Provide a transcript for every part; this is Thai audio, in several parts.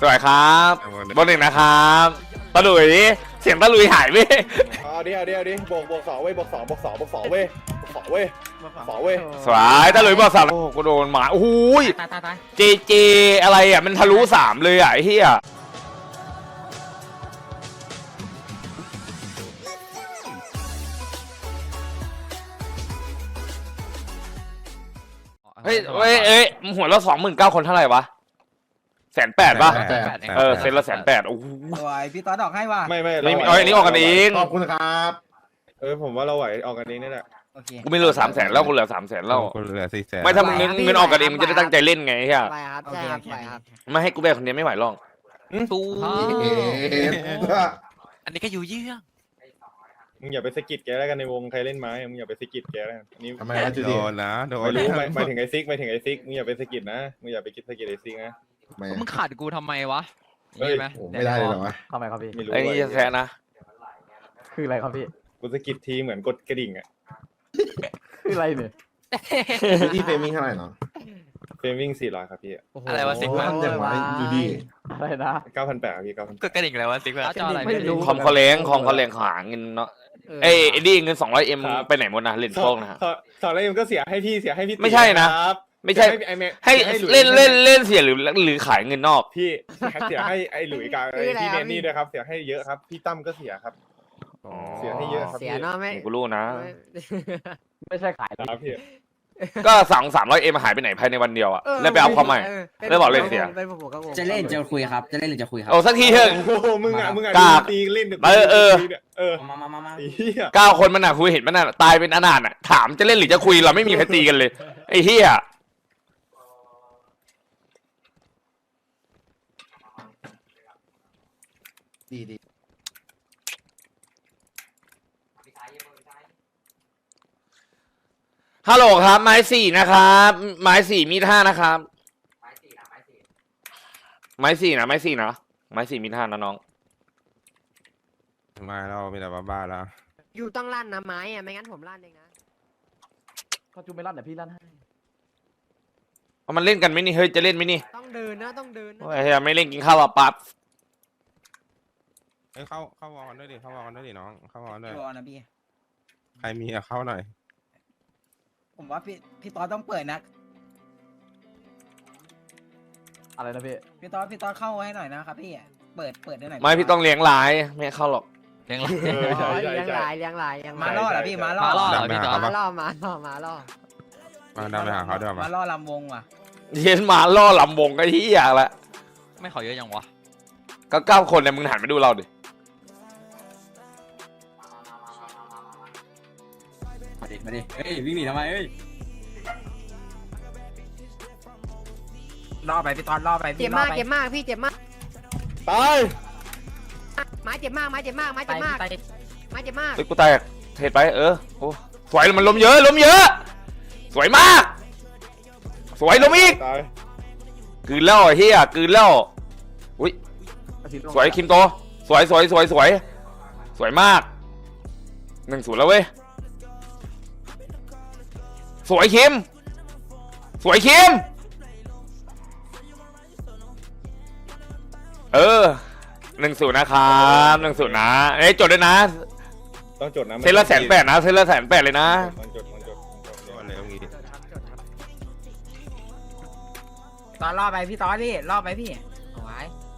สวัสดีครับบอลหนึ่งนะครับตะลุยเสียงตะลุยหายไปเอาดิบวกสองเว้ยบวกสองเว้ยสวยตะลุยบอกสามโอ้กูโดนหมาโอ้โหเจอะไรอ่ะมันทะลุ3เลยอ่ะไอ้เหี้ยเฮ้ยหัวเรา29,000คนเท่าไหร่วะ180,000ป่ะเซ็นละ180,000โอ้โหสวยพี่ต๊อดออกให้ว่ะไม่อันนี้ออกกันเองขอบคุณครับผมว่าเราไหวออกกันเองนี่แหละโอเคกูไม่เหลือ300,000แล้วกูเหลือ300,000แล้วกูเหลือ400,000 ไม่ถ้ามึงเงินออกกันเองมึงจะได้ตั้งใจเล่นไงเฮียไปครับใช่ครับไปครับไม่ให้กูแบกคนเดียวไม่ไหวหรอกตูอันนี้ก็อยู่เยื่อมึงอย่าไปสะกิดแกแล้วกันในวงใครเล่นไม้มึงอย่าไปสะกิดแกแล้วกันนี่ทำไมนะจูดี้โดนนะโดนไม่รู้หมายถึงไอซิกมึงอย่าไปสะกิดนะมึงอย่าไปสะกิดไอซิกนะมึงขาดกูทำไมวะไม่ได้เลยเหรอวะทำไมครับพี่ไม่รู้ไอ้นี่จะแพ้นะคืออะไรครับพี่กูสะกิดทีเหมือนกดกระดิ่งอ่ะคืออะไรเนี่ยที่เฟมิงเท่าไหร่เนาะเฟรมวิ่ง400ครับพี่อะไรวะซิกท่านอย่างไรจูดี้อะไรนะ 9,800ครับพี่ก็กระดิ่งอะไรวะซิกจออะไรไม่รู้คอมเขาเล้งหาเงินเนาะไอ้ดีเงิน200M ไปไหนหมดนะเล่นโชคนะฮะสอนอะไรมันก็เสียให้พี่ไม่ใช่นะครับไม่ใช่ให้เล่นเสียหรือขายเงินนอกพี่เสียให้ไอ้หลุยกับไอ้พี่เนนี่ด้วยครับเสียให้เยอะครับพี่ตั้มก็เสียครับเสียให้เยอะครับเสียเนาะไม่กูรู้นะไม่ใช่ขายครับพี่ก็300M หายไปไหนภายในวันเดียวอ่ะแล้วไปเอาความใหม่ แล้วบอกเลยเสียจะเล่นจะคุยครับจะเล่นหรือจะคุยครับโอ้สักทีเถอะโอ้โหมึงอ่ะกราบตีเล่นมาไอ้เหี้ย 9 คนมันน่ะคุยเห็นมันน่ะตายเป็นอนาถอ่ะถามจะเล่นหรือจะคุยเราไม่มีใครตีกันเลยไอ้เหี้ยดีฮัลโหลครับไม้4นะครับไม้4มีด5นะครับไม้4นะไม้4มีด5นะน้องมาเรามีแต่บ้าแล้วอยู่ต้องลั่นนะไม้อะไม่งั้นผมลั่นเองนะก็จูไม่ลั่นแต่พี่ลั่นให้เอามันเล่นกันไหมนี่เฮ้ยจะเล่นไหมนี่ต้องเดินนะต้องเดินนะโอ้ยเฮ้ยไม่เล่นกินข้าวหรอปั๊บเข้าวอลด้วยดิเข้าวอลด้วยดิน้องเข้าวอลด้วยรอนะพี่ใครมีเข้าหน่อยผมว่าพี่ต๊อดต้องเปิดนะอะไรนะพี่พี่ต๊อดเข้าให้หน่อยนะครับพี่เปิดได้หน่อยไม่พี่ต้องเลี้ยงหลายไม่ให้เข้าหรอกเลี้ยงอ๋อเลี้ยงหลายมาล่อเหรอพี่มาล่อพี่จอมาล่อมาล่อมาดำไปหาเขาด้วยมาล่อลำวงว่ะเย็นมาล่อลำวงก็ที่อยากละไม่ขอเยอะยังวะก็9 คนเนี่ยมึงหันไปดูเราดิมาดิเฮ้ยวิ่งหนีทำไมเฮ้ยล่อไปพี่ต๊อดล่อไปเจ็บมากพี่เจ็บมากตายไม้เจ็บมากไม้เจ็บมากไม้เจ็บมากเฮ้ยกูแตกเทรดไปโอ้สวยมันล้มเยอะสวยมากสวยล้มอีกตายกืนแล้วเฮียกืนแล้วอุ้ยสวยคิมโตสวยมาก1-0แล้วเว้ยสวยคิม1-0นะครับ1-0นะจดด้วยนะต้องจดนะเซนละ180,000นะเซนละ180,000เลยนะมันจดอะไรตรงนี้ต๊อดล่อไปพี่ต๊อดดิล่อไปพี่เอาไว้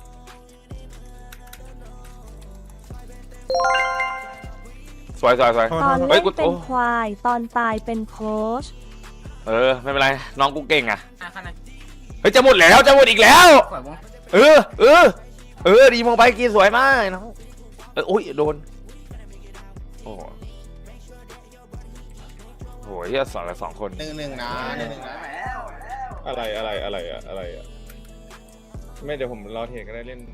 สวยตอนเฮ้เล่ยนกูเป็นควายตอนตายเป็นโค้ชไม่เป็นไรน้องกูเก่งอ่ะขนาดเฮ้ยจะหมดอีกแล้วสวยวงดีมองไปกีสวยมากน้องอุ้ยโดนโอ้โหเฮีย2 คน 1-1นะอะไรไม่เดี๋ยวผมรอเทรดก็ได้เล่น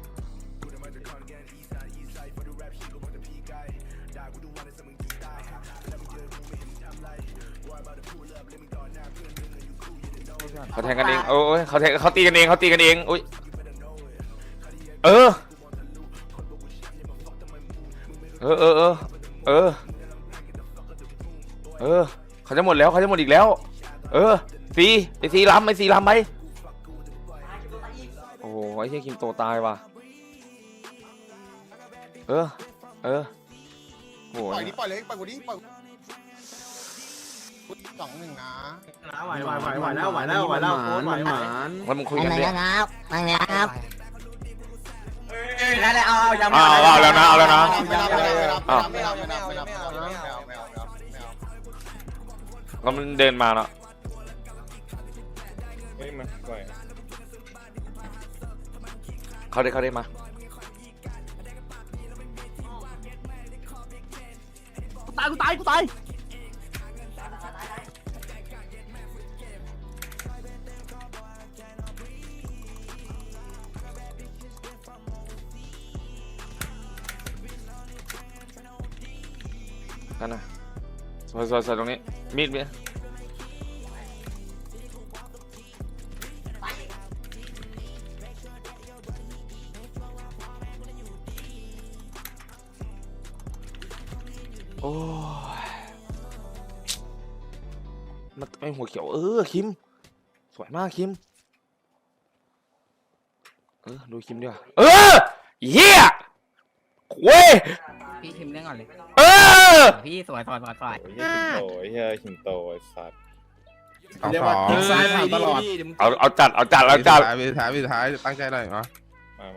เขาแทงกันเองโอ้ยเขาตีกันเองอุ้ยเขาจะหมดแล้วเขาจะหมดอีกแล้วไอ้ซีล้ำไปโอ้โหไอ้เฮียคิมโตตายว่ะเออโหปล่อยดิปล่อยเลยปล่อยกูดิปล่อย2-1นะไหวแล้วโค้ชไหวแล้วมึงคุยกันดิครับมาแล้วครับแล้วเอายังเอาแล้วนะไม่เอาแล้วมันเดินมาเนาะเฮ้ยมาปล่อยเขาได้มากูตายนั่นน่ะสวยตรงนี้มีดเบี้ยโอ้ยมันไม่หัวเขียวคิมสวยมากคิมดูคิมดีกว่าเฮียเว้ยพี่คิมเล่นก่อนเลย พี่สวยโอ้ยเฮียขิงโตไอ้สัตว์สองซ้ายผ่านตลอดเอาจัดวิท้ายตั้งใจหน่อยมามา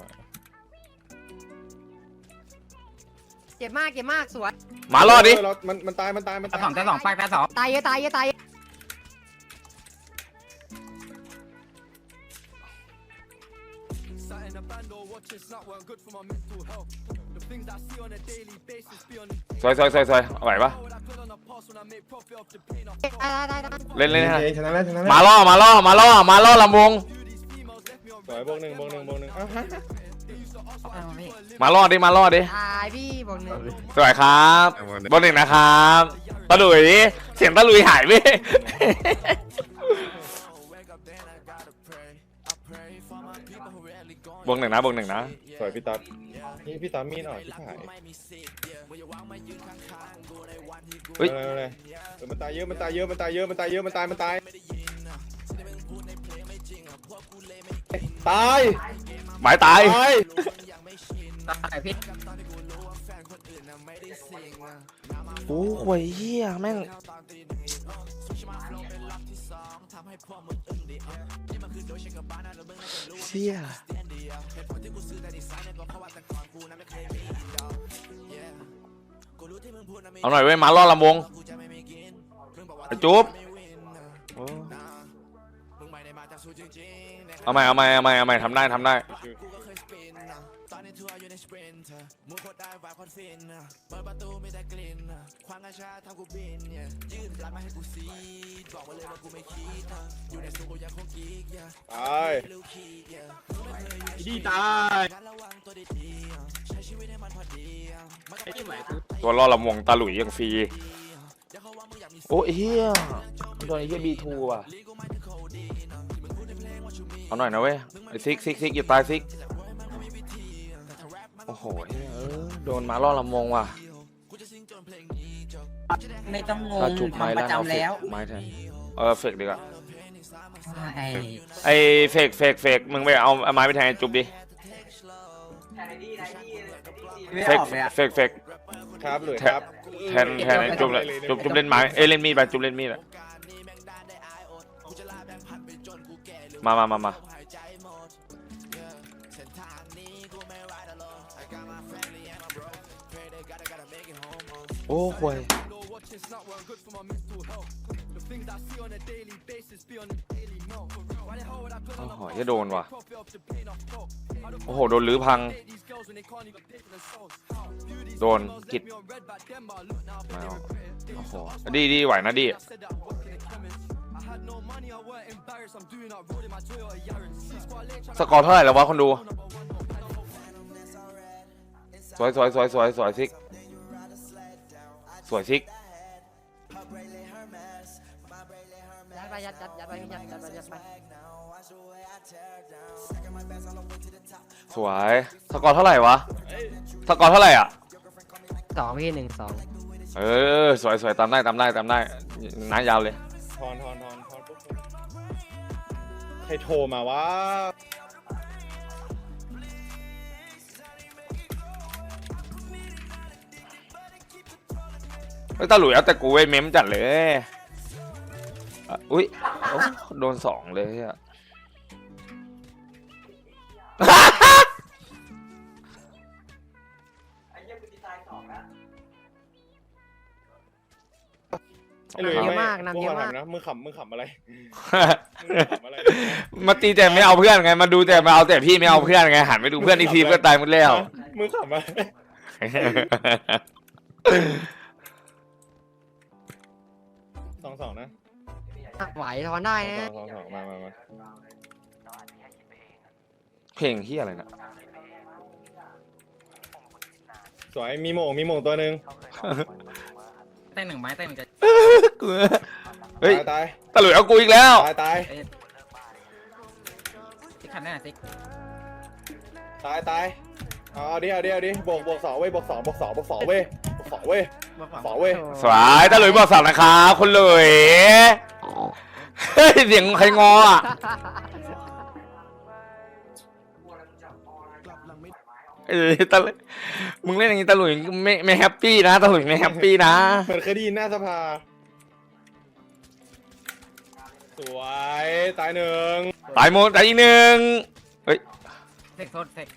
เจ็บมากสวยมารอดดิมันตายตาสองปากตาสองตายเยอะสวยไหวปะได้เล่นให้ชนะแล้วมาล่อลำวงสวยบวกหนึ่งอ้าวฮะมาล่อดิตายพี่บอกหนึ่งสวยครับบนหนึ่งนะครับตะลุยเสียงตะลุยหายไปบวกหนึ่งนะสวยพี่ตั๊ดนี่พี่ตั๊ดมีดอ่ะพี่ถ่ายเฮ้ยอะไรมันตายเยอะมันตายหมายตายตายพี่โอ้โหเฮียแม่งเชี่ยเอาหน่อยเว้ยมาล่อลำวงไอ้จุ๊บเอาใหม่ทำได้ตายดีตายตัวล่อลำวงตาหลุยยังฟรีโอ้เฮียโดนไอ้เฮียB2ว่ะเอาหน่อยนะเว้ยไอ้ซิกอย่าตายซิกโอ้โหโดนมาล่อลำวงว่ะไม่ต้องงถ้าง จุบไม้ทำประแล้วเอาจำแล้วไม้แทนเฟกดีกว่าไอ้ไอ้เฟกมึงไปเอาไม้ไปแทนไอ้จุบดิเฟกครับหรือครับแทนไอ้จุบเลยจุบเล่นไม้เล่นมีดไปจุบเล่นมีดอะมาโอ้โหจะโดนว่ะโอ้โหโดนลื้อพังโดนกิดมาโอ้โหดีไหวนะดีสกอร์เท่าไหร่แล้ววะคนดูสวยซิกสวยซิกยัดไปสวยสกอร์เท่าไหร่วะสกอร์เท่าไหร่อ่ะ 2พี่1-2 สวยตามได้น้ายาวเลยทอนปุ๊บใครโทรมาวะไม่ตาหลุยเอาแต่กูไอ้เม้มจัดเลยอุ้ยโอ้โดนสองเลยอะไอ้หลุยเยอะมากนำเยอะมากนะมึงขำอะไรขำอะไรมาตีแต่ไม่เอาเพื่อนไงมาดูแต่มาเอาแต่พี่ไม่เอาเพื่อนไงหันไปดูเพื่อนอีกทีเพื่อนตายหมดแล้วมึงขำอะไร2-2นะไหวทอนได้นะ 2-2มาเพลงที่อะไรนะสวยมีโมงตัวหนึ่งเต้นหนึ่งไม้เต้นหนึ่งจะกูเฮ้ยตายตาหลุยเอากูอีกแล้วตายซิกคันแน่ซิกเอาดิบวก2เว้ยบวก2เว้ยบวก2เว้ยสวายตาหลุยบอกสาวนะครับคนหลุยเฮ้ยเสียงใครงออ่ะตาหลุยมึงเล่นอย่างนี้ตาหลุยไม่แฮปปี้นะตาหลุยไม่แฮปปี้นะเหมือนเคยได้ยินหน้าสภาสวยตายหนึ่งตายหมดตายอีกหนึ่งเฮ้ยเซ็กโทษเซ็ก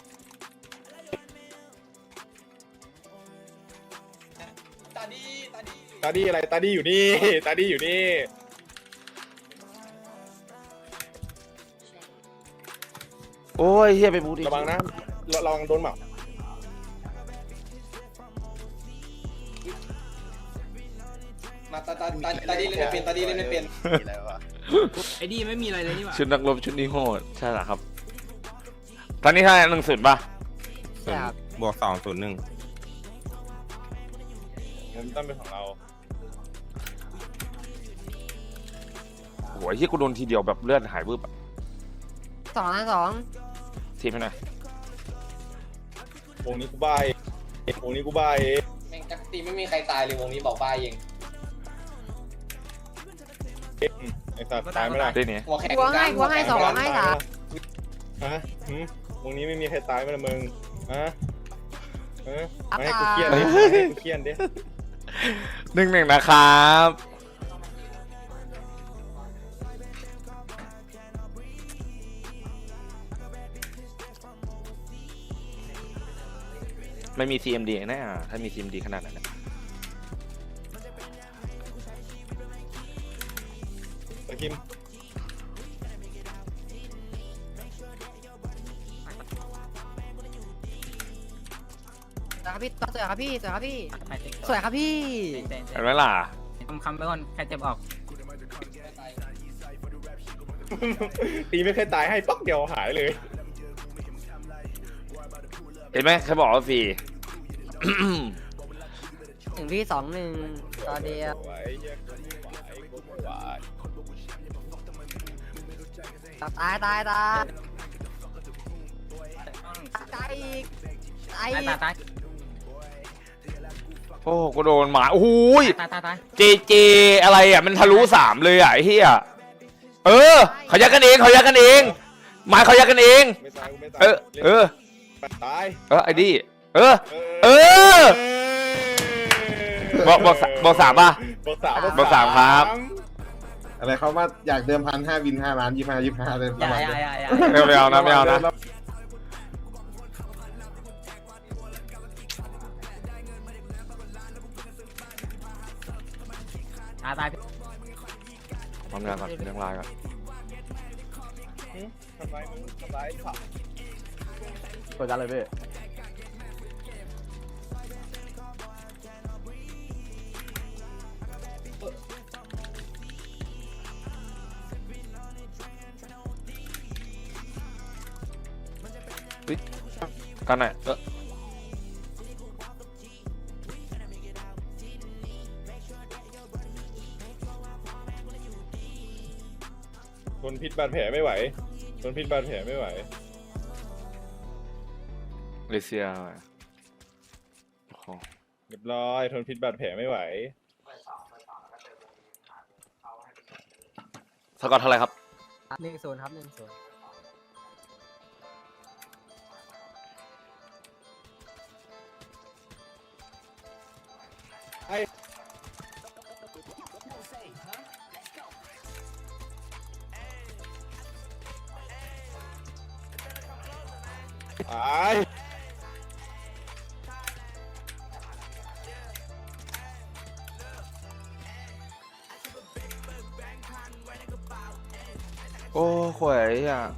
ตาดีอะไรตาดีอยู่นี่โอ้ยเฮียไปบูดิระวังนะระวังโดนหมับมาตาดีเล่นไม่เป็นตาดีเล่นไม่เป็นไอ้ดีไม่มีอะไรเลยนี่หว่าชุดนักรบชุดนี้โหดใช่เหรอครับตอนนี้เท่าไหร่1-0ป่ะบวก201 มันต้องเป็นของเราโอ้ยที่กูโดนทีเดียวแบบเลือดหายบึ้บ 2-2 ทีมให้หน่อยวงนี้กูบ้าเองแม่งจักตีไม่มีใครตายเลยวงนี้บอกบ้าเองไอ้สัตว์ตายไม่ได้ได้เนี่ยหัวแข็งหัวให้2ให้3 ฮะวงนี้ไม่มีใครตายไม่ละมึงฮะไม่ให้กูเครียดดิ 1-1นะครับไม่มี CMD แน่ถ้ามี CMD ขนาดนั้นนะตะคิมสวยครับพี่สวยครับพี่ไปซิกสวยครับพี่เต้นเห็นไหมล่ะคำไปก่อนใครเจ็บออกตีไม่เคยตายให้ปักเดียวหายเลยเห็นไหมเขาบอกว่าฟรีถึงพี่2-1ต่อเดียว ตายอีกตายโอ้กูโดนหมาโอ้โหยตายเจอะไรอ่ะมันทะลุ3เลยอ่ะไอ้เหี้ยเขายักกันเองหมายเขายักกันเองไม่ตายกูไม่ตายตายตายไอ้ดิบอก3ป่ะบอกสามครับอะไรเขาว่าอยากเดิมพัน5 วิน 5 ล้าน 25เลยประมาณนี้ไม่เอานะตายทำงานก่อนเรื่องไลน์ก่อนทำร้ายผักตัวจัดเลยพี่กันไหนทนพิษบาดแผลไม่ไหวเลเซียโอ้โหเรียบร้อยทนพิษบาดแผลไม่ไหวสกอร์เท่าไหร่ครับ 1-0ครับ1-0 ให้ตายโอ้ข่วยอ่ะ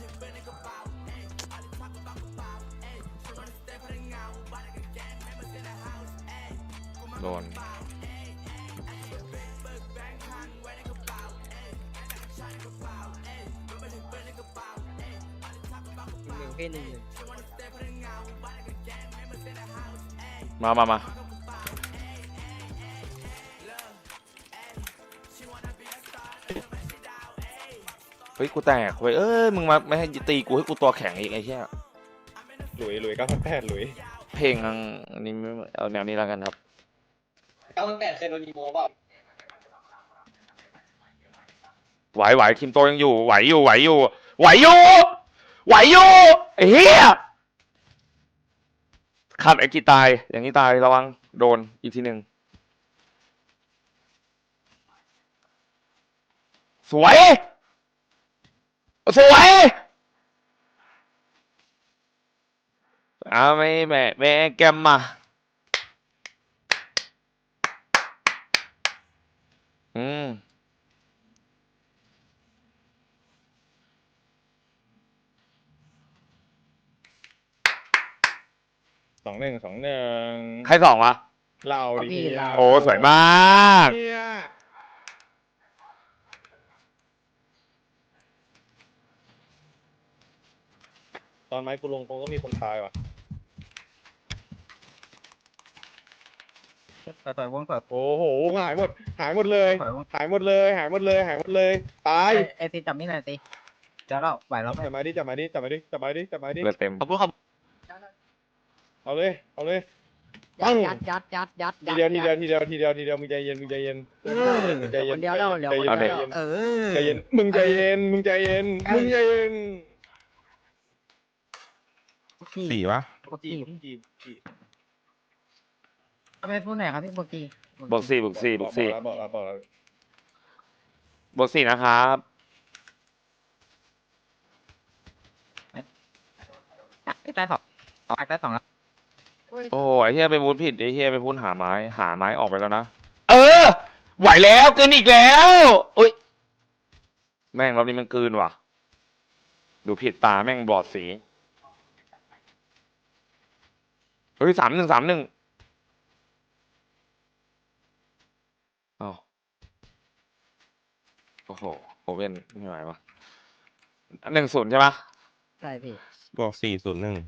โดนหนึ่งพี่หนึ่งหนึ่งมา เฮ้ย กูแตกเว้ย เอ้ย มึงมาไม่ให้ตีกูให้กูตัวแข็งอีกไอ้เหี้ยหลุย9,800หลุยเพลงอันนี้ไม่เอาแนวนี้แล้วกันครับ 9,800เคยโดนอีโมเปล่าไหวทีมโตยังอยู่ ไหวอยู่ไอ้เหี้ยขาดไอ้กีตาย อย่างนี้ตายระวังโดนอีกทีหนึ่งสวยไม่แม่แกมมา 2-1 ใครสองวะเราดิพี่เราโอ้สวยมากเนี่ยตอนไม้กูลงตรงก็มีคนตายว่ะต่อยวงต่อยโอ้โหหายหมดเลยต่อยวงหายหมดเลยตายไอซีจับนี่หน่อยสิเดี๋ยวเราไหวแล้วไหมจับมาดิเลือดเต็มขอบคุณครับเอาเลยยัดทีเดียวมึงใจเย็นใจเย็นคนเดียวแล้วเดี๋ยวเอาเด็กเออใจเย็นมึงใจเย็นสี่วะปกติเอาไปพูดหน่อยครับพี่โบกี้บวกสี่บอกแล้วบวกสี่นะครับได้สองได้สองแล้วโอ้ไอ้เฮียไปพูดผิดไอ้เฮียไปพูดหาไม้ออกไปแล้วนะ เออ ไหวแล้วเกินอีกแล้วอุ้ยแม่งรอบนี้มันเกินว่ะ ดูผิดตาแม่งบอดสีเฮ้ย3-1อ้าวโอ้โหโอเว่นไม่ไหววะ1-0ใช่ปะใช่พี่บวก401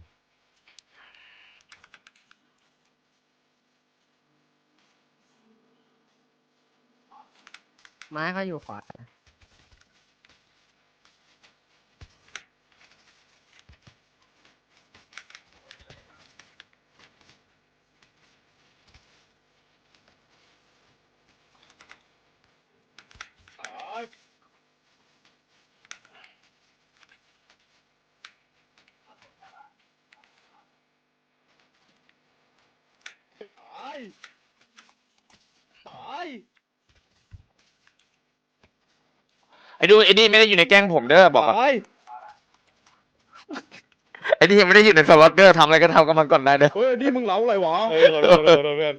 ไม้เขาอยู่ขวาไอ้นี่ไม่ได้อยู่ในแก๊งผมเด้อบอกก่อนไอ้นี่ยังไม่ได้อยู่ในสล็อตเด้อทำอะไรก็ทำกับมันก่อนได้เด้อเฮ้ยนี่มึงเล้าอะไรวะเฮ้ยขอโทษเพื่อน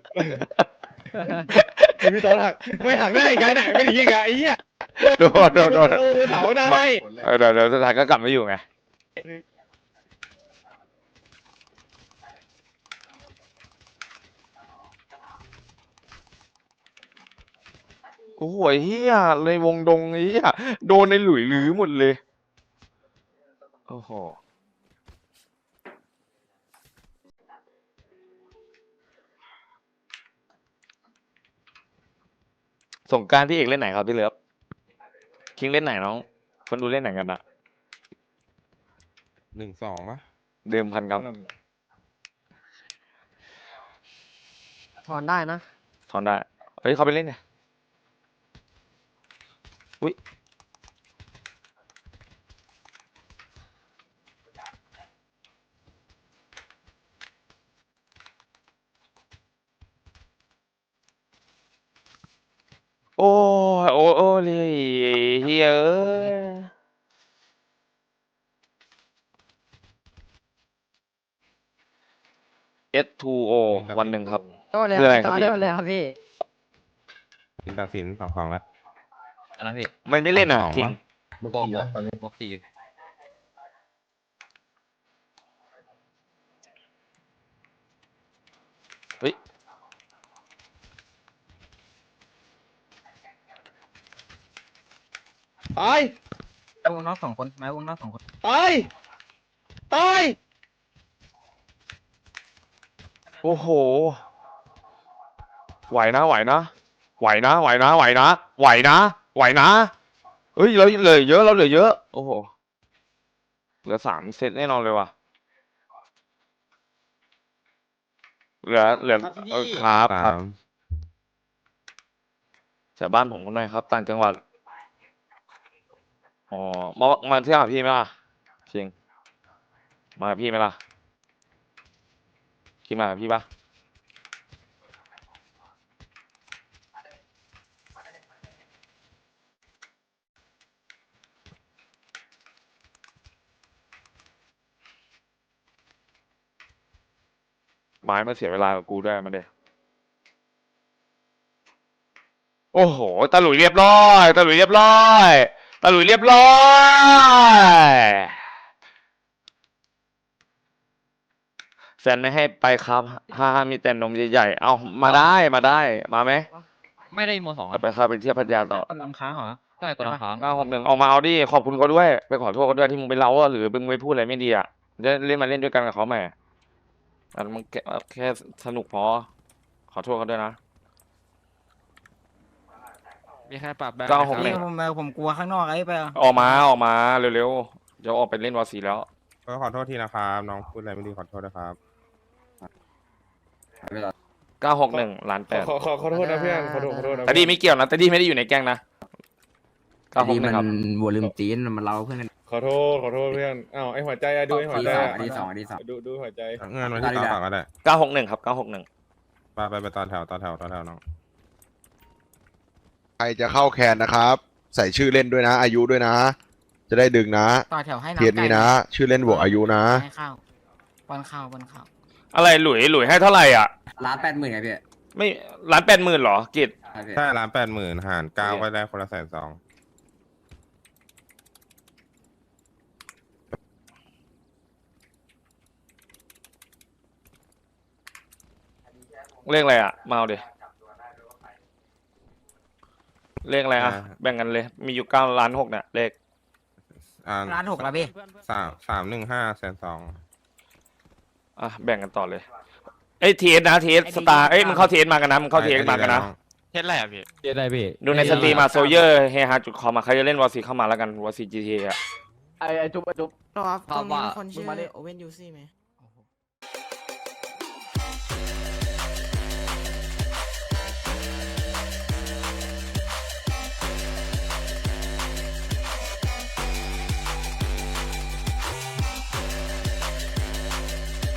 ไอพี่ตอนหักไม่หักได้ไงไหนไม่ดีไงไอ้เหี้ยโดนเผาได้เดี๋ยวสุดท้ายก็กลับมาอยู่ไงโอ้โหเฮียในวงดงไอ้เฮียโดนในหลุยหรือหมดเลยโอ้โหสงกรานต์พี่เอกเล่นไหนครับพี่เลิฟคิงเล่นไหนน้องคนดูเล่นไหนกันอะ 1-2วะเดิมพันครับถอนได้นะถอนได้เฮ้ยเขาไปเล่นไงอุ้ยโอ้เลยเฮียเอ้ย S2O วันหนึ่งครับโต้เลยคืออะไรครับต่อพี่ได้หมดเลยครับพี่สินตัดสินสองของแล้วอันนั้นพี่มันไม่เล่นอ่ะสองจริงวะบวกบวกสี่เฮ้ย ตายไม้วงนอกสองคนไม้วงนอกสองคนตาย ตาย โอ้โห ไหวนะ ไหวนะ ไหวนะ ไหวนะ ไหวนะ ไหวนะ ไหวนะ เฮ้ย เราเหลือเยอะ เราเหลือเยอะ โอ้โห เหลือ3 เซตแน่นอนเลยว่ะ เหลือครับสาครับมจากบ้านผมคนหน่อยครับ ต่างจังหวัด อ๋อ มาเที่ยวหาพี่ไหมล่ะจริง มาหาพี่ไหมล่ะคิดมาหาพี่ปะไม้มาเสียเวลากับกูด้วยมาเด้โอ้โห ตาหลุยเรียบร้อย ตาหลุยเรียบร้อย ตาหลุยเรียบร้อยแฟนไม่ให้ไปครับถ้ามีแต่นมใหญ่ๆ เอามาได้ มาได้ มาไหมไม่ได้โมสองไปครับไปเที่ยวพัทยาต่อคนลำค้างเหรอใช่ตัวละครั้ง 961เอามาเอาดิ ขอบคุณเขาด้วย ไปขอโทษเขาด้วยที่มึงไปเล่าหรือมึงไปพูดอะไรไม่ดีอ่ะจะเล่นมาเล่นด้วยกันกับเขาใหม่อันมันแค่สนุกพอ ขอโทษเขาด้วยนะมีแค่ปรับแบบ 961 นี่ผมกลัวข้างนอกไอ้ไปออกมาเร็วๆเดี๋ยวออกไปเล่นวอร์ซีแล้วก็ขอโทษทีนะครับ น้องพูดอะไรไม่ดีขอโทษนะครับ 961ล้านแปดขอโทษนะเพื่อนขอโทษนะแต่ดีไม่เกี่ยวนะแต่ดีไม่ได้อยู่ในแก๊งนะ961ครับวัวลืมตีนมันเล่าเพื่อนกันขอโทษเพื่อนอ้าวไอหัวใจอะดูไอหัวใจอะอันที่สองดูหัวใจเงินวันที่ต่อก็ได้ 961ครับ961 ไปต่อแถวน้องใครจะเข้าแคนนะครับ ใส่ชื่อเล่นด้วยนะ อายุด้วยนะ จะได้ดึงนะต่อแถวให้น้ำเทียนนี้นะ ชื่อเล่นบวกอายุนะให้ข้าวป้อนข้าวอะไรหลุยให้เท่าไหร่อ่ะ 1,80,000ไงพี่ไม่1,80,000เหรอกิจใช่1,80,000หาร9ก็ได้คนละ120,000 เลขอะไรอ่ะมาเอาดิเลขอะไรอ่ะแบ่งกันเลย มีอยู่9.6 เนี่ยเลข 1,600,000แล้วพี่ 315,200,000 อ่ะแบ่งกันต่อเลยเอ้ยทีเอสนะทีเอสสตาร์เอ้ยมึงเข้าทีเอสมากันนะมึงเข้าทีเอสมากันนะเฮ็ดอะไรอ่ะพี่เจ๊ได้พี่ดูในสตรีมมาโซเยอร์เฮฮาจุดคอมมาใครจะเล่นวอร์ซีเข้ามาแล้วกันวอร์ซีจีทีอ่ะไอจุ๊บครับตรงนี้มีคนชื่อโอเว่นยูซี่ไหม